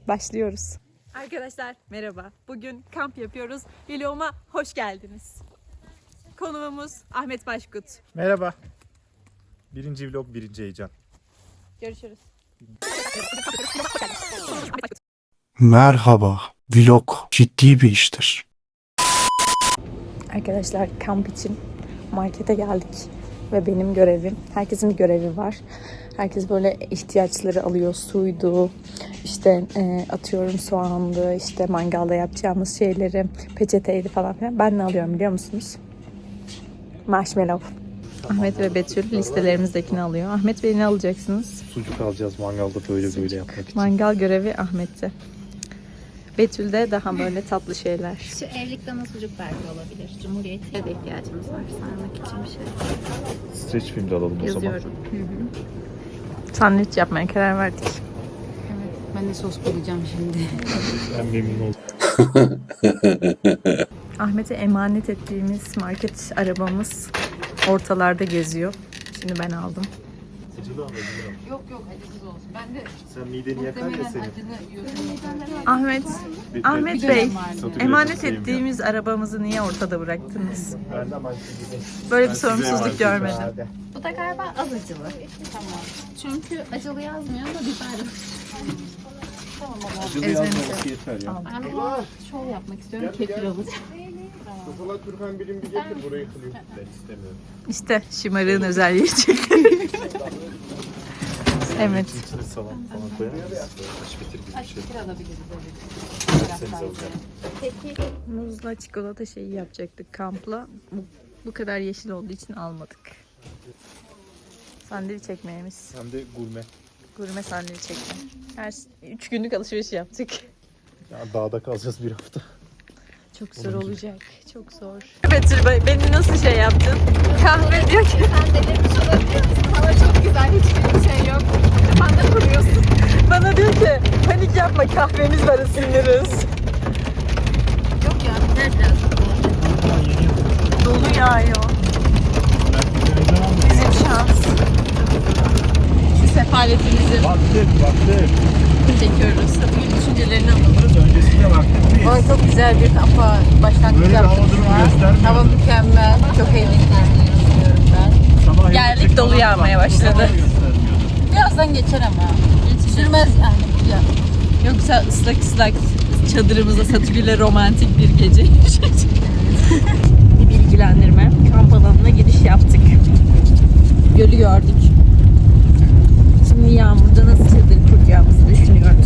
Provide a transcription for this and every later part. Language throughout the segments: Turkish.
başlıyoruz. Arkadaşlar merhaba. Bugün kamp yapıyoruz. Vloguma hoş geldiniz. Konuğumuz Ahmet Başkut. Merhaba. Birinci vlog, birinci heyecan. Görüşürüz. Merhaba. Vlog ciddi bir iştir. Arkadaşlar kamp için markete geldik ve benim görevim, herkesin bir görevi var. Herkes böyle ihtiyaçları alıyor, suydu, işte atıyorum soğandı, işte mangalda yapacağımız şeyleri, peçeteydi falan filan. Ben ne alıyorum biliyor musunuz? Marshmallow. Ahmet ve Betül listelerimizdekini alıyor. Ahmet Bey ne alacaksınız? Sucuk alacağız mangalda böyle yapmak için. Mangal görevi Ahmet'te. Betül'de daha böyle tatlı şeyler. Şu evlilik dana sucuk belki olabilir. Cumhuriyet'e de ihtiyacımız var sarmak için bir şey. Streç film de alalım o zaman. Yazıyorum. Sandviç yapmaya karar verdik. Evet, ben de sos bulacağım şimdi. Ben memnun oldum. Ahmet'e emanet ettiğimiz market arabamız ortalarda geziyor. Şimdi ben aldım. Acılı ama Yok acısız olsun. Ben de sen mideni yakar ya senin. acını yiyorum. Ahmet Bey, Satıyor emanet acısıyım ya. ettiğimiz arabamızı niye ortada bıraktınız? Ben de ama Böyle bir ben size sorumsuzluk emanet görmedim. ediyorum. Bu da galiba az acılı. Tamam. Çünkü acılı yazmıyor ama biber. Acılı Ezmemizi yazmaması yeter ya. Ben de şov yapmak istiyorum. Kefir alacağım. Kafalar Türkan birim bir getir burayı kılıyor. Ben istemiyorum. İşte şımarığın özelliği çıktı. Evet. İçine salam falan koyar mısın? Aç bitir gibi bir şey. Kefir alabiliriz. Seniz alacağım. Peki. Muzla çikolata şeyi yapacaktık kampla. Bu kadar yeşil olduğu için almadık. Sandviç ekmeğimiz. Hem de gurme. Gurme sandviç ekmeği. 3 günlük alışveriş yaptık. Ya dağda kalacağız bir hafta. Çok zor olacak. Çok zor. Betül Bey, beni nasıl şey yaptın? Kahve diyor ki. Sen delirmiş olabilir misin? Hava çok güzel. Hiçbir şey yok. Kafanda kuruyorsun. Bana diyor ki panik yapma kahvemiz var ısınırız. Yok ya. Biter biraz. Dolu yağıyor. Bizim şans. Şu sefaletimizi Baktık. çekiyoruz. Satın düşüncelerini alalım. Öncesinde baktık biz. Bana çok güzel bir kampa başlangıç Böyle yaptık hava durumu şu an. göstermiyor. Hava mükemmel. Çok eğleneceğiz düşünüyorum ben. Sabah Geldik, dolu yağmaya başladı. Birazdan geçer ama. Sürmez yani. Ya. Yoksa ıslak çadırımıza Satürk'le romantik bir gece. Bir bilgilendirme. Kamp alanına giriş yaptık. Gölü gördük. Şimdi yağmurda nasıl çadır kuracağımızı düşünüyoruz.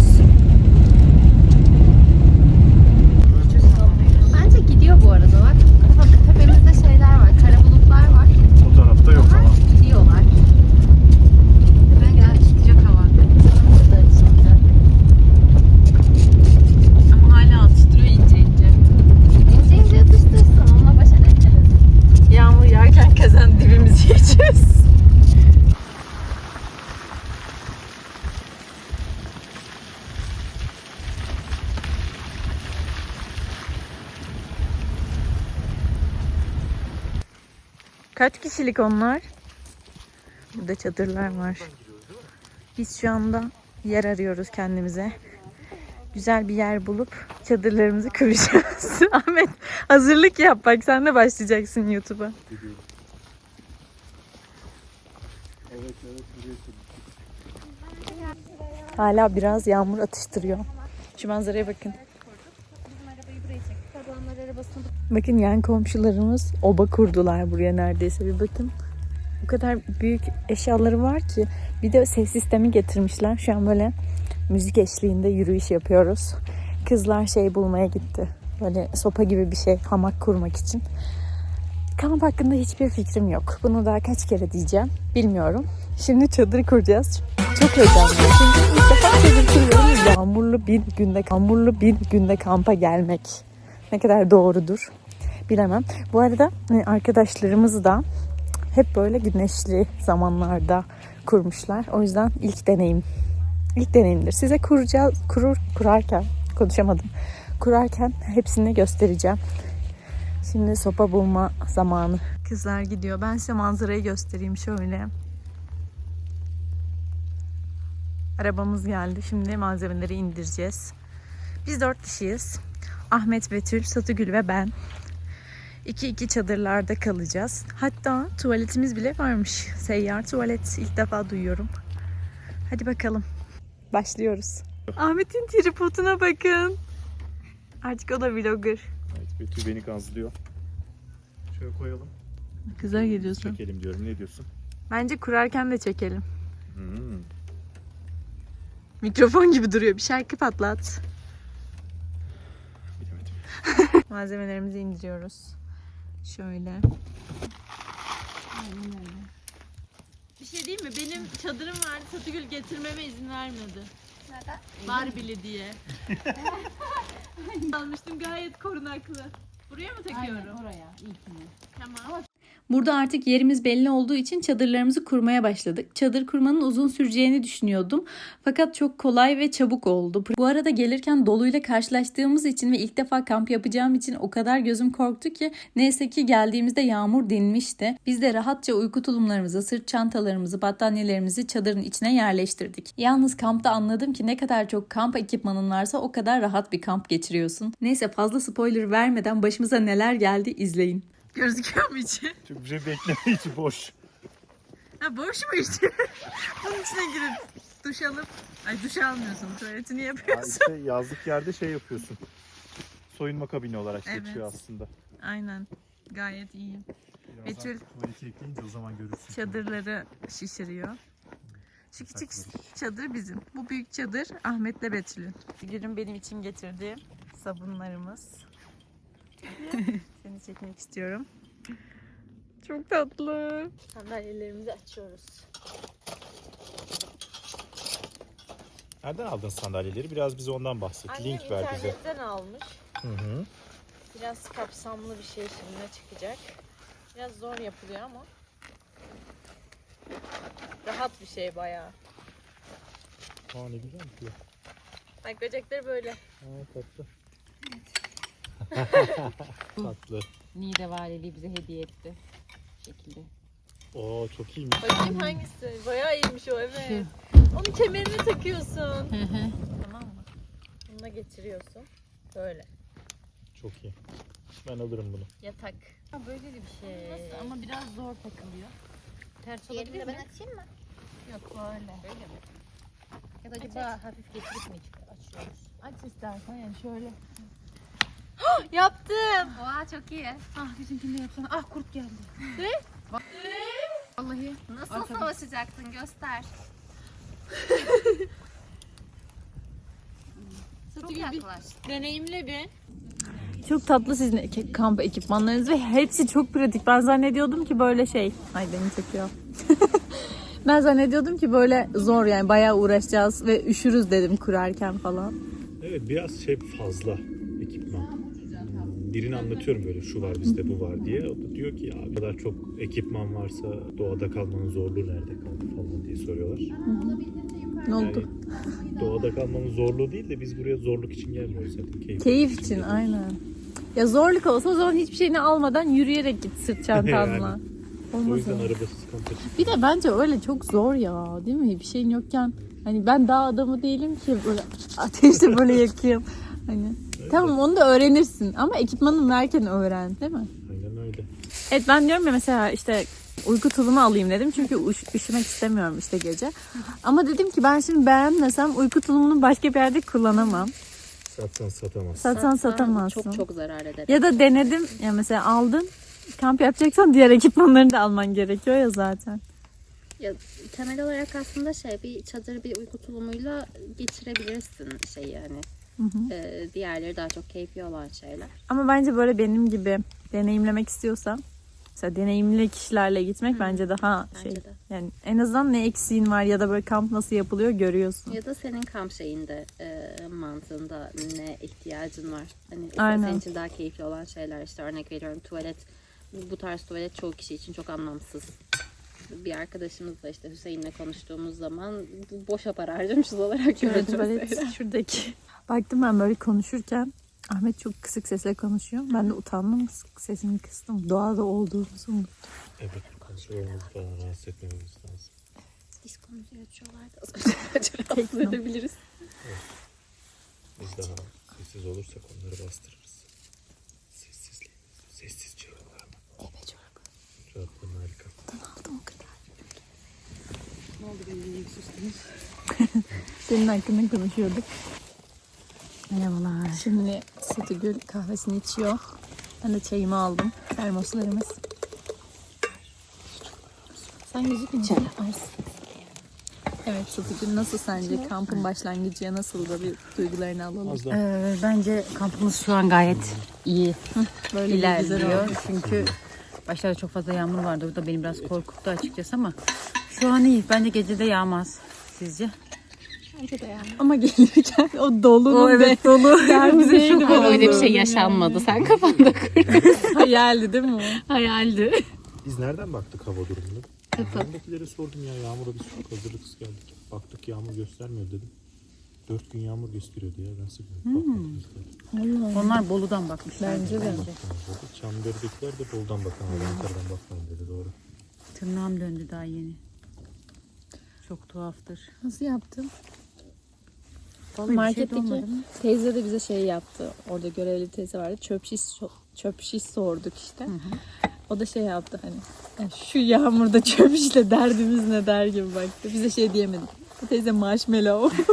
Bence gidiyor bu arada bak. Tepemizde şeyler var. Kara bulutlar var. O tarafta yok ama. Gidiyorlar. Bence sıcak hava. Ama hala atıştırıyor ince. İnce ince atıştırsın. Onunla baş edeceğiz. Yağmur yağarken kazan dibimizi yiyeceğiz. Kaç kişilik onlar? Burada çadırlar var. Biz şu anda yer arıyoruz kendimize. Güzel bir yer bulup çadırlarımızı kuracağız. Ahmet hazırlık yap bak, sen de başlayacaksın YouTube'a. Hala biraz yağmur atıştırıyor. Şu manzaraya bakın. Bakın yan komşularımız oba kurdular buraya neredeyse, bir bakın. O kadar büyük eşyaları var ki. Bir de ses sistemi getirmişler. Şu an böyle müzik eşliğinde yürüyüş yapıyoruz. Kızlar şey bulmaya gitti. Böyle sopa gibi bir şey, hamak kurmak için. Kamp hakkında hiçbir fikrim yok. Bunu daha kaç kere diyeceğim bilmiyorum. Şimdi çadır kuracağız. Çok heyecanlıyım. Çünkü ilk defa çadır kuruyorum. Yağmurlu bir günde kampa gelmek ne kadar doğrudur bilemem. Bu arada arkadaşlarımız da hep böyle güneşli zamanlarda kurmuşlar. O yüzden ilk deneyimdir. Size kurarken hepsini göstereceğim. Şimdi sopa bulma zamanı. Kızlar gidiyor. Ben size manzarayı göstereyim şöyle. Arabamız geldi. Şimdi malzemeleri indireceğiz. Biz 4 kişiyiz. Ahmet, Betül, Satıgül ve ben. 2 çadırlarda kalacağız. Hatta tuvaletimiz bile varmış. Seyyar tuvalet. İlk defa duyuyorum. Hadi bakalım. Başlıyoruz. Ahmet'in tripoduna bakın. Artık o da vlogger. Evet, Betül beni gazlıyor. Şöyle koyalım. Güzel geliyorsun. Çekelim diyorum. Ne diyorsun? Bence kurarken de çekelim. Hmm. Mikrofon gibi duruyor. Bir şarkı patlat. Bilemedim. Malzemelerimizi indiriyoruz. Şöyle. Bir şey diyeyim mi? Benim çadırım vardı. Satıgül getirmeme izin vermedi. Neden? Barbie'li diye. Almıştım, gayet korunaklı. Buraya mı takıyorum? Aynen oraya ilkini. Tamam. Burada artık yerimiz belli olduğu için çadırlarımızı kurmaya başladık. Çadır kurmanın uzun süreceğini düşünüyordum. Fakat çok kolay ve çabuk oldu. Bu arada gelirken doluyla karşılaştığımız için ve ilk defa kamp yapacağım için o kadar gözüm korktu ki neyse ki geldiğimizde yağmur dinmişti. Biz de rahatça uyku tulumlarımızı, sırt çantalarımızı, battaniyelerimizi çadırın içine yerleştirdik. Yalnız kampta anladım ki ne kadar çok kamp ekipmanın varsa o kadar rahat bir kamp geçiriyorsun. Neyse fazla spoiler vermeden başımıza neler geldi izleyin. Gözüküyor mu içi? Çok bir şey bekleme, içi boş. Ha, boş mu içi? Bunun içine girip duş alıp... Ay, duş almıyorsun. Tuvaletini Ha, yapıyorsun. işte yazlık yerde şey yapıyorsun. Soyunma kabini olarak Evet. geçiyor aslında. Aynen. Gayet iyi. Betül tuvaleti ekleyince o zaman görürsün. çadırları şişiriyor. Şu küçük çadır bizim. Bu büyük çadır Ahmet'le Betül'ün. Gül'ün benim için getirdiği sabunlarımız. Seni çekmek istiyorum. Çok tatlı. Sandalyelerimizi açıyoruz. Nereden aldın sandalyeleri? Biraz bize ondan bahset. Link ver bize. internetten almış. Hı. Biraz kapsamlı bir şey şimdi çıkacak. Biraz zor yapılıyor ama rahat bir şey bayağı. Aa, ne güzel bir şey. Bak, böcekleri böyle. Aa, tatlı. Tatlı. Niğde Valiliği bize hediye etti. Bu şekilde. Oo, çok iyiymiş. Bakayım hangisi? Bayağı iyiymiş o, evet. Onu kemerine takıyorsun. Tamam mı? Bununla getiriyorsun. Böyle. Çok iyi. Ben alırım bunu. Yatak. Ha, böyle de bir şey. Nasıl? Ama biraz zor takılıyor. Ters olabilir Diğerini de mi? ben açayım mı? Yok böyle. Öyle mi? Ya da acaba hafif getirip mi açıyoruz? Aç istersen yani şöyle. Yaptım. Oha çok iyi. Ah bizimkini de yapsana. Ah kurt geldi. Ne? Vallahi. Nasıl savaşacaktın? Göster. Çok yaklaş. Deneyimle bir. Çok tatlı sizin kamp ekipmanlarınız ve hepsi çok pratik. Ben zannediyordum ki böyle şey. Ay, beni çekiyor. Ben zannediyordum ki böyle zor, yani bayağı uğraşacağız ve üşürüz dedim kurarken falan. Evet, biraz şey fazla ekipman. Birini anlatıyorum böyle şu var bizde bu var diye. O da diyor ki ya bu kadar çok ekipman varsa doğada kalmanın zorluğu nerede kaldı falan diye soruyorlar. Ne oldu? Yani doğada kalmanın zorluğu değil de biz buraya zorluk için gelmiyoruz zaten. Keyif için, aynen. Ya zorluk olsa o zaman hiçbir şeyini almadan yürüyerek git sırt çantanla. Yani. O Olmaz yüzden ya. arabasız kamp açık. Bir de bence öyle çok zor ya, değil mi? Bir şeyin yokken, hani ben dağ adamı değilim ki böyle ateşte böyle yakayım. Hani tamam, onu da öğrenirsin ama ekipmanı varken öğren, değil mi? Aynen öyle. Evet, ben diyorum ya mesela işte uyku tulumu alayım dedim çünkü üşümek istemiyorum işte gece. Ama dedim ki ben şimdi beğenmesem uyku tulumunu başka bir yerde kullanamam. Satsan satamazsın. Satsan satamazsın. Çok zarar eder. Ya da denedim ya, mesela aldın, kamp yapacaksan diğer ekipmanlarını da alman gerekiyor ya zaten. Ya, temel olarak aslında bir çadır bir uyku tulumuyla geçirebilirsin yani. Diğerleri daha çok keyfi olan şeyler. Ama bence böyle benim gibi deneyimlemek istiyorsan, mesela deneyimli kişilerle gitmek bence daha Bence de. yani en azından ne eksiğin var ya da böyle kamp nasıl yapılıyor görüyorsun. Ya da senin kamp şeyinde mantığında ne ihtiyacın var. Hani Aynen. senin için daha keyifli olan şeyler, işte örnek veriyorum tuvalet. Bu tarz tuvalet çoğu kişi için çok anlamsız. Bir arkadaşımızla işte Hüseyin'le konuştuğumuz zaman bu boşa para harcamışız olarak Şöyle gördüm. tuvalet şuradaki. Baktım ben böyle konuşurken Ahmet çok kısık sesle konuşuyor. Ben de utandım, sesimi kıstım. Doğada olduğumuzu unuttum. Evet, komşularımızı falan rahatsız etmememiz lazım. Disko müziği açıyorlardı. Az önce rahatsız edebiliriz. Biz daha sessiz olursak onları bastırırız. Sessiz çığlıklar mı? Evet çorba. Çığlıklar harika. Aldım o kadar. Ne oldu benim sustunuz? Senin hakkında konuşuyorduk. Merhabalar. Şimdi Satıgül kahvesini içiyor. Ben de çayımı aldım. Termoslarımız. Sen gözükmüyorsun. Evet Satıgül, nasıl sence? Kampın başlangıcıya nasıl da bir duygularını alalım. Az daha. Bence kampımız şu an gayet iyi Böyle bir güzel ilerliyor. oldu. Çünkü başlarda çok fazla yağmur vardı. O da beni biraz korkuttu açıkçası ama şu an iyi. Bence gece de yağmaz. Sizce? Ama gelirken o dolunun dolu. bize şok Ama öyle bir şey yaşanmadı. Sen kafanda kurdun. hayaldi değil mi o? Hayaldi. Biz nereden baktık hava durumunu? Yanındakilere sordum ya, yağmura biz çok hazırlıksız geldik. Baktık yağmur göstermiyor dedim. 4 gün yağmur gösteriyordu ya, ben sıkıyorum. Bakmadım biz de. Onlar Bolu'dan bakmışlar. Bence de. Çamlıdere'dekiler de Bolu'dan bakan, Ankara'dan bakmayın dedi, doğru. Tırnağım döndü daha yeni. Çok tuhaftır. Nasıl yaptın? Vallahi bir şey de Marketteki olmadı mı? teyze de bize şey yaptı. Orada görevli teyze vardı. Çöp şiş sorduk işte. O da şey yaptı hani. "Ya şu yağmurda çöp şişle derdimiz ne der" gibi baktı. Bize şey diyemedik. Bu teyze marshmallow.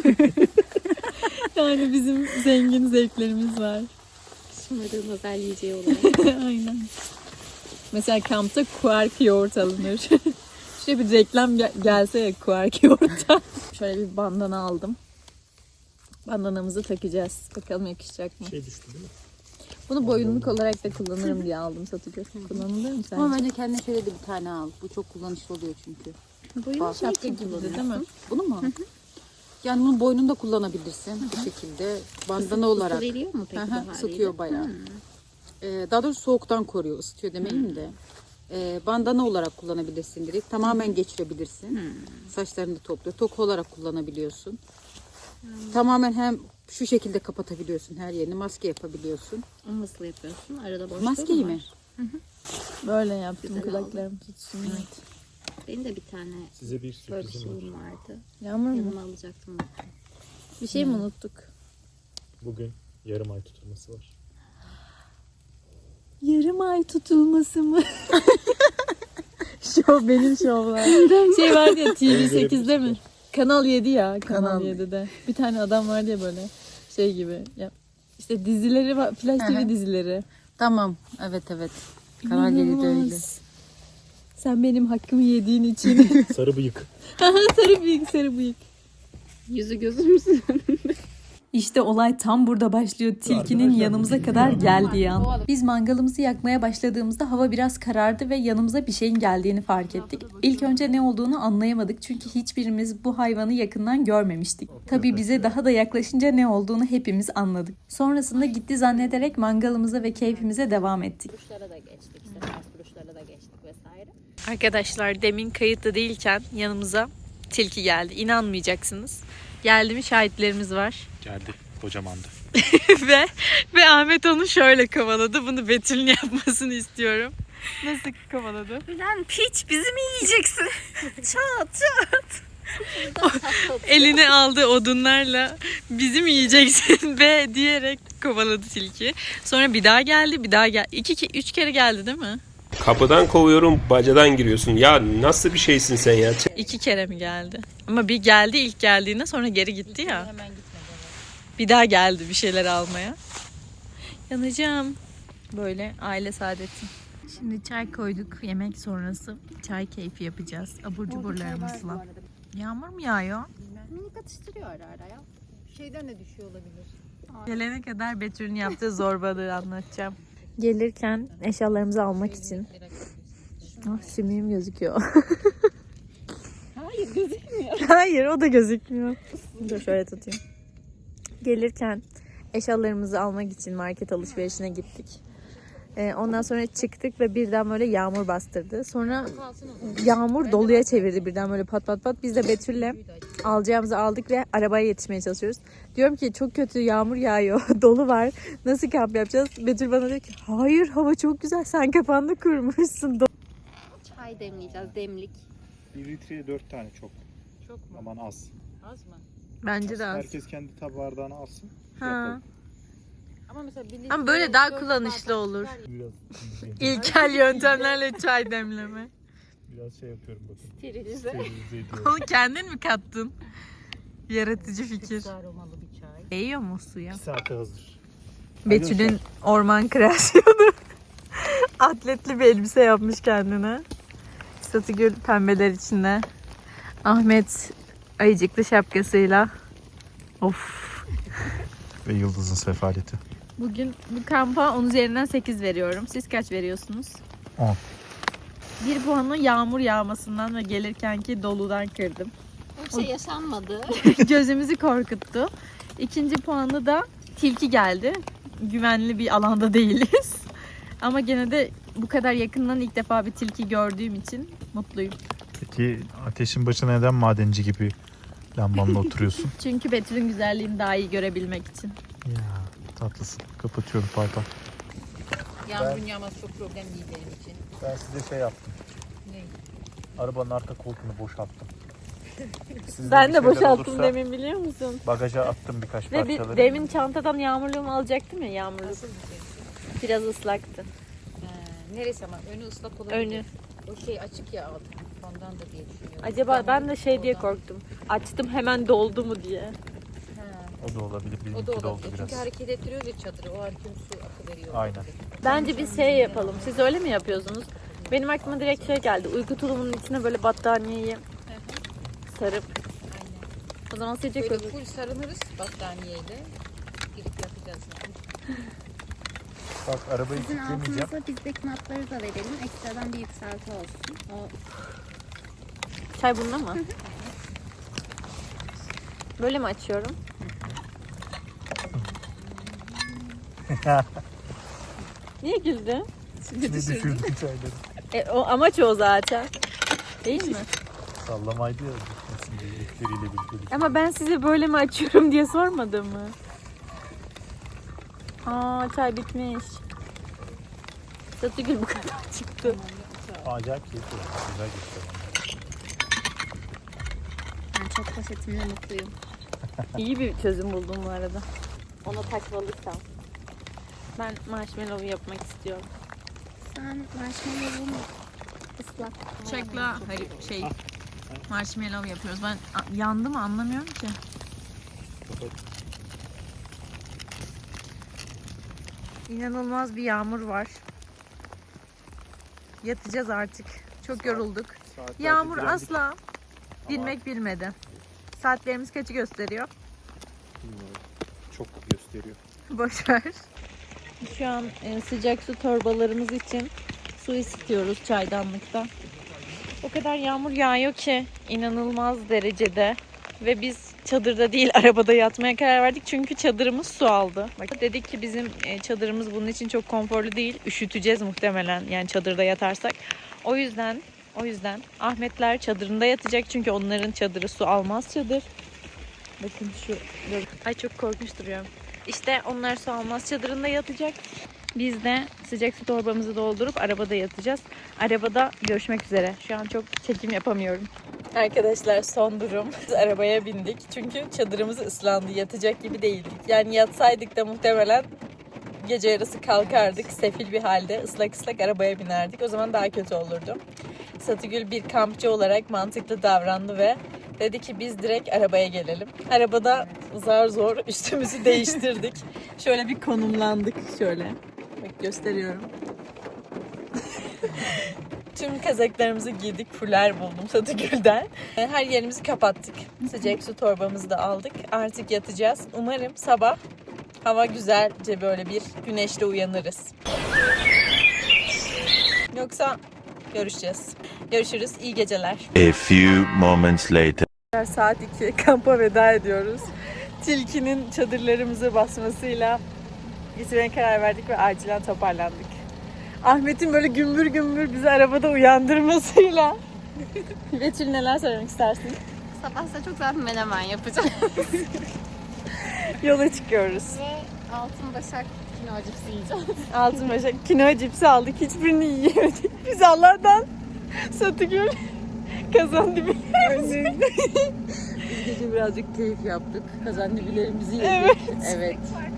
Yani bizim zengin zevklerimiz var. Şımarığın özel yiyeceği olarak. Aynen. Mesela kampta kuark yoğurt alınır. Şöyle bir reklam gelse ya kuark yoğurttan. Şöyle bir bandana aldım. Bandanamızı takacağız. Bakalım yakışacak mı? Şey düştü değil mi? Bunu boyunluk olarak da kullanırım diye aldım Satıgül. Kullanılır mı Ama sence? bence kendine şöyle de bir tane al. Bu çok kullanışlı oluyor çünkü. Boyunluk şapka gibi de değil mi? Bunu mu? Yani bunu boynunda kullanabilirsin bu şekilde. Bandana olarak. Isı veriyor mu peki bu haliyle? Sıkıyor bayağı. Daha doğrusu soğuktan koruyor, ısıtıyor demeyeyim de. Bandana olarak kullanabilirsin direkt. Tamamen geçirebilirsin. Saçlarını da topluyor. Toka olarak kullanabiliyorsun. Tamamen hem şu şekilde kapatabiliyorsun her yerini. Maske yapabiliyorsun. Nasıl yapıyorsun? Arada boşluğu Maskeyi mu mi? var? Böyle yaptım Güzel kulaklarım tutsun. Benim de bir tane Size bir böyle bir sürprizim var. şeyim vardı. Yağmur mu? Yanıma alacaktım. Bir şey mi unuttuk? Bugün yarım ay tutulması var. Yarım ay tutulması mı? Şov benim şovlar. Şey vardı ya TV8'de mi? Kanal 7 ya. Kanal 7'de. Bir tane adam vardı ya böyle şey gibi. Ya, işte dizileri var. Flash TV dizileri. Tamam. Evet. Kanal 7'de öyle. İnanılmaz. Sen benim hakkımı yediğin için. Sarı bıyık. sarı bıyık. Yüzü gözümüzün önünde. İşte olay tam burada başlıyor. Tilkinin yanımıza kadar geldiği an. Biz mangalımızı yakmaya başladığımızda hava biraz karardı ve yanımıza bir şeyin geldiğini fark ettik. İlk önce ne olduğunu anlayamadık çünkü hiçbirimiz bu hayvanı yakından görmemiştik. Tabii bize daha da yaklaşınca ne olduğunu hepimiz anladık. Sonrasında gitti zannederek mangalımıza ve keyfimize devam ettik. Duruşlara da geçtik. İşte ters duruşlara da geçtik vesaire. Arkadaşlar demin kayıtlı değilken yanımıza tilki geldi. İnanmayacaksınız. Geldi mi şahitlerimiz var. Geldi. Kocamandı. ve Ahmet onu şöyle kovaladı. Bunu Betül'ün yapmasını istiyorum. Nasıl kovaladı? Lan piç bizi mi yiyeceksin? Çat. Eline aldığı odunlarla bizi mi yiyeceksin be diyerek kovaladı tilki. Sonra bir daha geldi, bir daha geldi. 3 kere geldi değil mi? Kapıdan kovuyorum, bacadan giriyorsun. Ya nasıl bir şeysin sen ya? 2 kere mi geldi? Ama bir geldi ilk geldiğinde, sonra geri gitti ya. Bir daha geldi bir şeyler almaya. Yanacağım. Böyle aile saadeti. Şimdi çay koyduk. Yemek sonrası çay keyfi yapacağız. Abur cuburlarımızla. Yağmur mu yağıyor? Minik atıştırıyor ara ara ya. Şeyden de düşüyor olabilir. Gelene kadar Betül'ün yaptığı zorbalığı anlatacağım. Gelirken eşyalarımızı almak için. Şimdiğim gözüküyor. Hayır gözükmüyor. Hayır, o da gözükmüyor. Dur şöyle tutayım. Gelirken eşyalarımızı almak için market alışverişine gittik. Ondan sonra çıktık ve birden böyle yağmur bastırdı. Sonra yağmur doluya çevirdi birden böyle pat pat pat. Biz de Betül'le alacağımızı aldık ve arabaya yetişmeye çalışıyoruz. Diyorum ki çok kötü yağmur yağıyor, dolu var. Nasıl kamp yapacağız? Betül bana diyor ki hayır hava çok güzel, sen kafanda kurmuşsun. Çay demleyeceğiz, demlik. 1 litreye 4 tane çok. Çok mu? Aman az. Az mı? Bence de az. Herkes kendi bardağını alsın. Ha. Ama mesela Ama böyle daha kullanışlı olur. Biraz, İlkel yöntemlerle çay demleme. biraz şey yapıyorum bakın. Sterilize. Sterilize ediyorum. Onu kendin mi kattın? Yaratıcı fikir. aromalı bir çay. Değiyor mu suya? 2 saate hazır. Betül'ün orman kreasyonu. Atletli bir elbise yapmış kendine. Satıgül pembeler içinde. Ahmet ayıcıklı şapkasıyla. Of. Ve Yıldız'ın sefaleti. Bugün bu kampa 10 üzerinden 8 veriyorum. Siz kaç veriyorsunuz? 10. Bir puanı yağmur yağmasından ve gelirkenki doludan kırdım. Bir şey yaşanmadı. Gözümüzü korkuttu. İkinci puanı da tilki geldi. Güvenli bir alanda değiliz. Ama gene de bu kadar yakından ilk defa bir tilki gördüğüm için mutluyum. Peki ateşin başına neden madenci gibi lambanla oturuyorsun? Çünkü Betül'ün güzelliğini daha iyi görebilmek için. Ya tatlısın. Kapatıyorum pardon. Yağmurun yağması çok problem değil benim için. Ben size şey yaptım. Ne? Arabanın arka koltuğunu boşalttım. Sizde Ben bir de şeyler boşalttım olursa demin, biliyor musun? Bagaja attım birkaç Ve parçaları. demin çantadan yağmurluğumu alacaktım ya, yağmurluk. Nasıl bir şey? Biraz ıslaktı. Neresi ama? Önü ıslak olabilir. Önü. O şey açık ya alt. Ondan da diye düşünüyorum. Acaba ben de şey diye Oradan. korktum. Açtım hemen doldu mu diye. Ha, O da olabilir. o Benimki da de oldu olabilir. biraz. Çünkü hareket ettiriyoruz ya çadırı. O an tüm su akıveriyor. Aynen. Bence biz şey yapalım. Siz öyle mi yapıyorsunuz? Benim aklıma direkt şey geldi. Uyku tulumunun içine böyle battaniyeyi sarıp. Aynen. O zaman sıcak Böyle olur. full sarılırız battaniyeyle. Girip yapacağız. Bak arabayı Sizin kilitlemeyeceğim. altınıza bizdeki matları da verelim. Ekstradan bir yükselti olsun. O Çay bunda mı? Böyle mi açıyorum? Niye güldün? İçine düşürdüm çayları. O amaç o zaten. Değil mi? Sallamaydı ya. Düşmesin diye etleriyle birlikte. Ama ben size böyle mi açıyorum diye sormadım mı? Aa, çay bitmiş. Satıgül bu kadar çıktı. Acayip keyifli. Güzel geçti. ben çok poşetimle mutluyum. İyi bir çözüm buldum bu arada. Ona takmalıysam. Ben marshmallow yapmak istiyorum. Sen marshmallow'un ıslak. Bıçakla şey marshmallow yapıyoruz. Ben yandı mı anlamıyorum ki. İnanılmaz bir yağmur var. Yatacağız artık. Çok yorulduk. Saatlerce Yağmur direndik. asla dinmek bilmedi. Saatlerimiz kaçı gösteriyor? Bilmiyorum. Çok gösteriyor. Boş ver. Şu an sıcak su torbalarımız için su ısıtıyoruz çaydanlıkta. O kadar yağmur yağıyor ki inanılmaz derecede. Ve biz çadırda değil arabada yatmaya karar verdik. Çünkü çadırımız su aldı. Bak, dedik ki bizim çadırımız bunun için çok konforlu değil. Üşüteceğiz muhtemelen yani çadırda yatarsak. O yüzden Ahmetler çadırında yatacak. Çünkü onların çadırı su almaz çadır. Bakın şu. Ay çok korkunç duruyorum. İşte onlar su almaz çadırında yatacak. Biz de sıcak su torbamızı doldurup arabada yatacağız. Arabada görüşmek üzere. Şu an çok çekim yapamıyorum. Arkadaşlar son durum. Biz arabaya bindik. Çünkü çadırımız ıslandı. Yatacak gibi değildik. Yani yatsaydık da muhtemelen gece yarısı kalkardık. Sefil bir halde ıslak ıslak arabaya binerdik. O zaman daha kötü olurdu. Satıgül bir kampçı olarak mantıklı davrandı ve dedi ki biz direkt arabaya gelelim. Arabada zar zor üstümüzü değiştirdik. Şöyle bir konumlandık şöyle. Bak gösteriyorum. Tüm kazaklarımızı giydik. Fuller buldum Satıgül'den. Her yerimizi kapattık. Sıcak su torbamızı da aldık. Artık yatacağız. Umarım sabah hava güzelce böyle bir güneşle uyanırız. Yoksa görüşeceğiz. Görüşürüz. İyi geceler. A few moments later. Saat 2 kampa veda ediyoruz. Tilkinin çadırlarımıza basmasıyla gitmeye karar verdik ve acilen toparlandık. Ahmet'in böyle gümbür gümbür bizi arabada uyandırmasıyla. Betül neler söylemek istersin? Sabah size çok güzel bir menemen yapacağım. Yola çıkıyoruz. Ve altın başak kino cipsi yiyeceğim. Altınbaşak kinoa cipsi aldık. Hiçbirini yiyemedik. Biz Allah'tan Satıgül Kazan dibi. Biz gece birazcık keyif yaptık. Kazandibilerimizi yedik. Evet.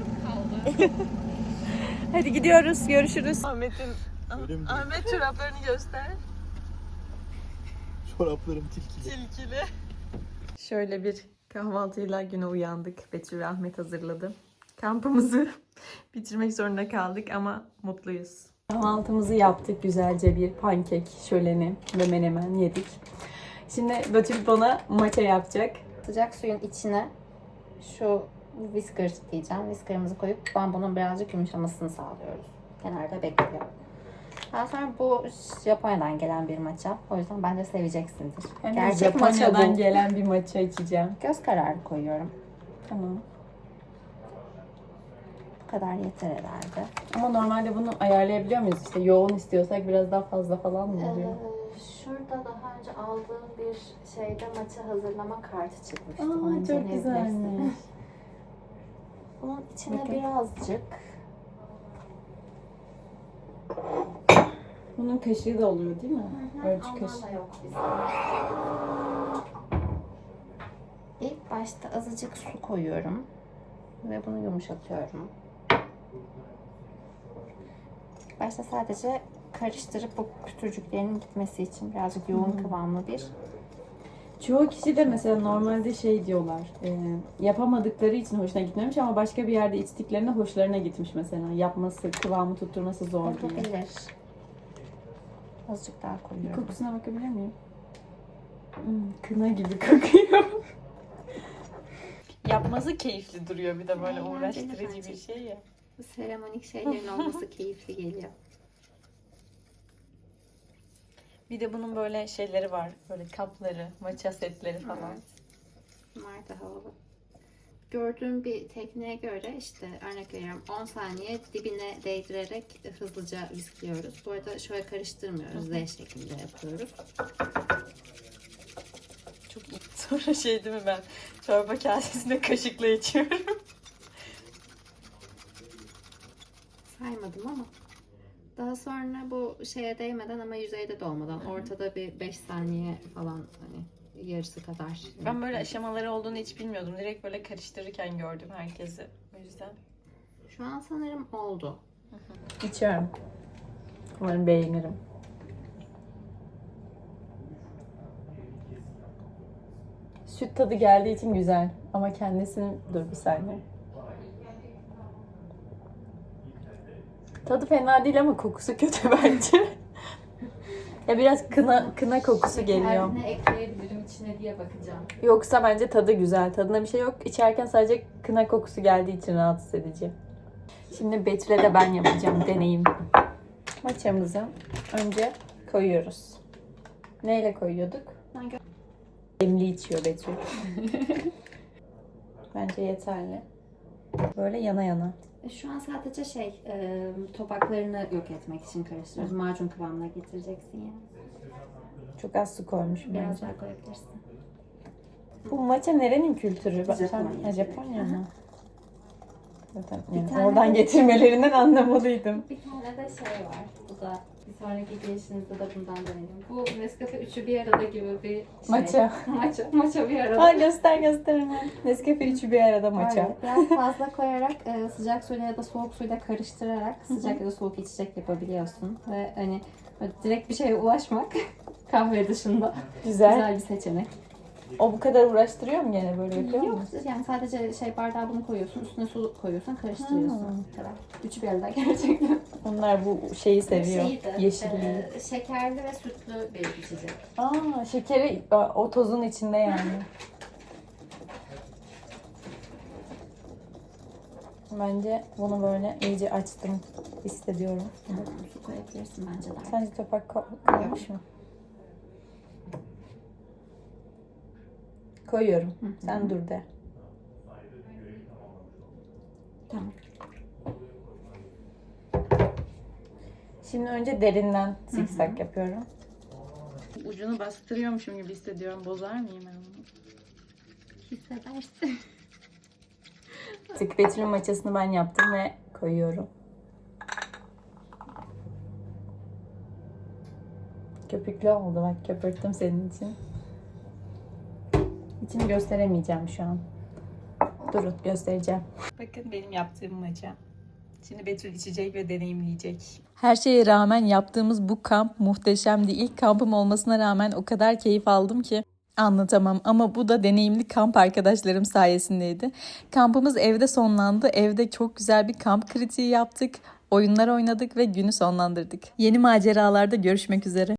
Hadi gidiyoruz. Görüşürüz. Ahmet çoraplarını göster. Çoraplarım tilkili. Tilkili. Şöyle bir kahvaltıyla güne uyandık. Betül ve Ahmet hazırladı. Kampımızı bitirmek zorunda kaldık ama mutluyuz. Kahvaltımızı yaptık. Güzelce bir pankek şöleni ve menemen yedik. Şimdi Betül bana matcha yapacak. Sıcak suyun içine şu whisker diyeceğim. Whisker'ımızı koyup bambunun birazcık yumuşamasını sağlıyoruz. Kenarda bekliyor. Daha sonra bu Japonya'dan gelen bir matcha. O yüzden bence seveceksindir. Yani Gerçek matcha Japonya'dan bu. gelen bir matcha içeceğim. Göz kararı koyuyorum. Tamam. Bu kadar yeter herhalde. Ama normalde bunu ayarlayabiliyor muyuz? İşte yoğun istiyorsak biraz daha fazla falan mı oluyor? Şurada daha önce aldığım bir şeyde matcha hazırlama kartı çıkmıştı. Aa, Onu çok inceleyebilirsin. güzelmiş. Bunun içine Bakın. birazcık Bunun kaşığı da oluyor değil mi? Ölçü Ondan kaşığı. da yok bizde. İlk başta azıcık su koyuyorum ve bunu yumuşatıyorum. Başta sadece karıştırıp bu pütürcüklerin gitmesi için birazcık yoğun kıvamlı bir. Çoğu kişi de mesela normalde şey diyorlar, yapamadıkları için hoşuna gitmemiş ama başka bir yerde içtiklerinde hoşlarına gitmiş mesela. Yapması, kıvamı tutturması zor diye. Olabilir. Azıcık daha koyuyorum. Kokusuna bakabilir miyim? Kına gibi kokuyor. Yapması keyifli duruyor bir de böyle Eğlenceli uğraştırıcı bence. bir şey ya. Bu seremonik şeylerin olması keyifli geliyor. Bir de bunun böyle şeyleri var. Böyle kapları, matcha setleri falan. Evet. Bunlar da havalı. Gördüğüm bir tekniğe göre işte örnek veriyorum 10 saniye dibine değdirerek hızlıca viskliyoruz. Bu arada şöyle karıştırmıyoruz. Z şeklinde yapıyoruz. Çok iyi. Sonra şey değil mi ben çorba kasesinde kaşıkla içiyorum. Saymadım ama. Daha sonra bu şeye değmeden ama yüzeyde de olmadan ortada bir 5 saniye falan hani yarısı kadar. Ben böyle aşamaları olduğunu hiç bilmiyordum. Direkt böyle karıştırırken gördüm herkesi. O yüzden. Şu an sanırım oldu. İçiyorum. Umarım beğenirim. Süt tadı geldiği için güzel. Ama kendisinin... Dur bir saniye. Tadı fena değil ama kokusu kötü bence. Ya biraz kına kokusu geliyor. Ne ekleyebilirim içine diye bakacağım. Yoksa bence tadı güzel. Tadında bir şey yok. İçerken sadece kına kokusu geldiği için rahatsız edici. Şimdi Betül'e de ben yapacağım. Deneyim. Matchamızı önce koyuyoruz. Neyle koyuyorduk? Demli içiyor Betül. Bence yeterli. Böyle yana yana. Şu an sadece topaklarını yok etmek için karıştırıyoruz. Macun kıvamına getireceksin yani. Çok az su koymuşum Biraz bence. daha koyabilirsin. Bu matcha nerenin kültürü? Japonya. Japonya mı? Zaten yani tane oradan de- getirmelerinden anlamalıydım. Bir tane de şey var. Bu da bir sonraki gelişinizde de bundan deneyelim. Bu Nescafe üçü bir arada gibi bir şey. Matcha. Matcha bir arada. Ha göster hemen. Nescafe üçü bir arada matcha. Evet, biraz fazla koyarak sıcak suyla ya da soğuk suyla karıştırarak sıcak ya da soğuk içecek yapabiliyorsun. Ve hani böyle direkt bir şeye ulaşmak kahve dışında güzel bir seçenek. O bu kadar uğraştırıyor mu gene böyle yapıyor Yok mu? yani sadece bardağa bunu koyuyorsun, üstüne su koyuyorsun, karıştırıyorsun. Bu kadar. Üçü bir arada gerçekten. Onlar bu şeyi seviyor. Yeşilliği. Şekerli ve sütlü bir içecek. Aa, şekeri o tozun içinde yani. Bence bunu böyle iyice açtım hissediyorum. Su koyabilirsin bence de. Sence topak koymuş mu? Koyuyorum. Sen dur de. Tamam. Şimdi önce derinden zikzak yapıyorum. Ucunu bastırıyormuşum gibi hissediyorum. Bozar mıyım ben bunu? Hissedersin. Betül'ün maçasını ben yaptım ve koyuyorum. Köpüklü oldu bak, köpürttüm senin için. İçini gösteremeyeceğim şu an. Durun, göstereceğim. Bakın benim yaptığım maça. Şimdi Betül içecek ve deneyimleyecek. Her şeye rağmen yaptığımız bu kamp muhteşemdi. İlk kampım olmasına rağmen o kadar keyif aldım ki anlatamam. Ama bu da deneyimli kamp arkadaşlarım sayesindeydi. Kampımız evde sonlandı. Evde çok güzel bir kamp kritiği yaptık. Oyunlar oynadık ve günü sonlandırdık. Yeni maceralarda görüşmek üzere.